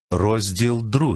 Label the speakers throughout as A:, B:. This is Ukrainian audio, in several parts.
A: Розділ 2.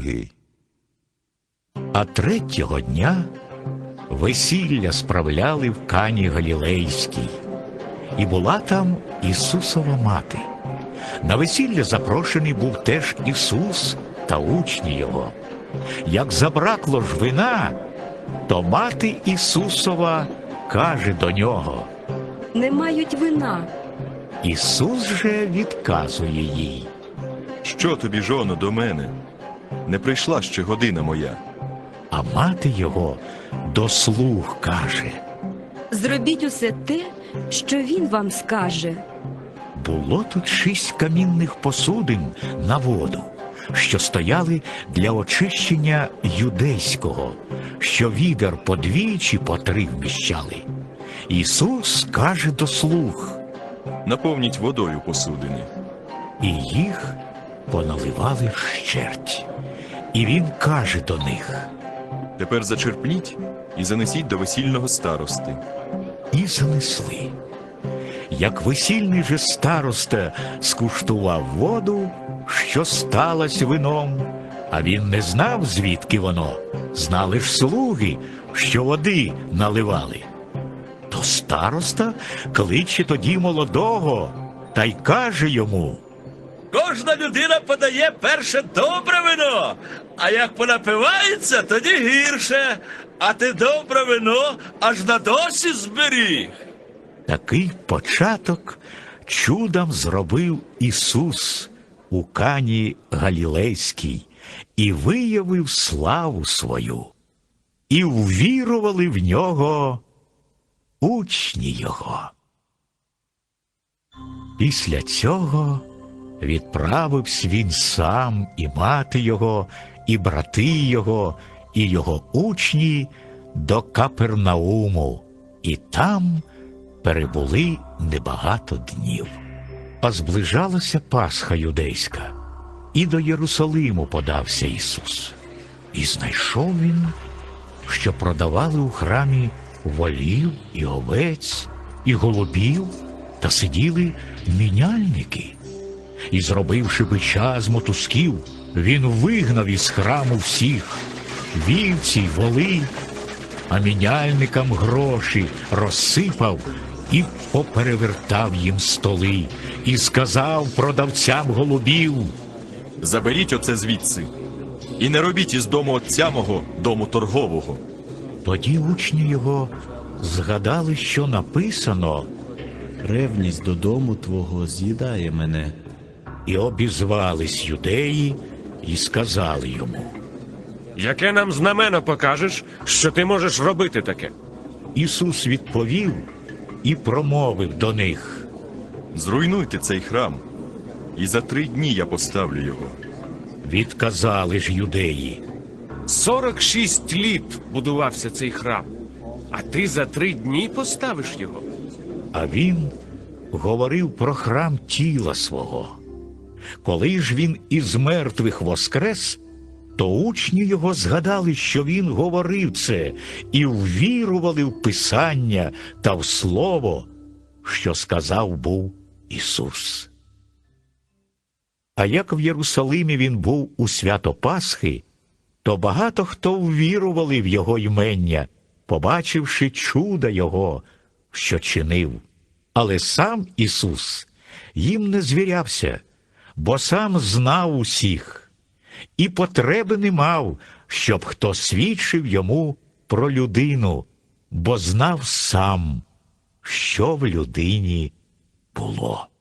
B: А третього дня весілля справляли в Кані Галілейській, і була там Ісусова мати. На весілля запрошений був теж Ісус та учні Його. Як забракло ж вина, то мати Ісусова каже до Нього:
C: «Не мають вина».
B: Ісус же відказує їй:
A: Що тобі, жоно, до мене? Не прийшла ще година моя.
B: А мати Його до слуг каже:
C: «Зробіть усе те, що він вам скаже».
B: Було тут 6 камінних посудин на воду, що стояли для очищення юдейського, що відер по 2 чи по 3 вміщали. Ісус каже до слуг,
A: Наповніть водою посудини.
B: і їх поналивали вщерть. І він каже до них:
A: Тепер зачерпніть і занесіть до весільного старости.
B: і занесли. Як весільний же староста скуштував воду, що сталась вином, а він не знав, звідки воно, знали ж слуги, що води наливали. То староста кличе тоді молодого та й каже йому:
D: Кожна людина подає перше добре вино, а як понапивається, тоді гірше, а ти добре вино аж на досі зберіг.
B: Такий початок чудом зробив Ісус у Кані Галілейській і виявив славу свою. І ввірували в нього учні Його. Після цього відправився він сам, і мати Його, і брати Його, і Його учні до Капернауму, і там перебули небагато днів. А зближалася Пасха юдейська, і до Єрусалиму подався Ісус. І знайшов він, що продавали у храмі волів і овець, і голубів, та сиділи міняльники. І, зробивши бича з мотузків, він вигнав із храму всіх вівці й воли, а міняльникам гроші розсипав і поперевертав їм столи, і сказав продавцям голубів:
A: Заберіть оце звідси, і не робіть із дому отця мого дому торгового.
B: Тоді учні Його згадали, що написано,
E: Ревність до дому твого з'їдає мене.
B: і обізвались юдеї, і сказали йому.
F: Яке нам знамено покажеш, що ти можеш робити таке?
B: Ісус відповів і промовив до них:
A: Зруйнуйте цей храм, і за 3 дні я поставлю його.
B: Відказали ж юдеї:
F: 46 літ будувався цей храм, а ти за 3 дні поставиш його?
B: А він говорив про храм тіла свого. Коли ж він із мертвих воскрес, то учні його згадали, що він говорив це, і ввірували в Писання та в Слово, що сказав був Ісус. А як в Єрусалимі він був у свято Пасхи, то багато хто ввірували в його ймення, побачивши чуда його, що чинив. Але сам Ісус їм не звірявся, бо сам знав усіх, і потреби не мав, щоб хто свідчив йому про людину, бо знав сам, що в людині було.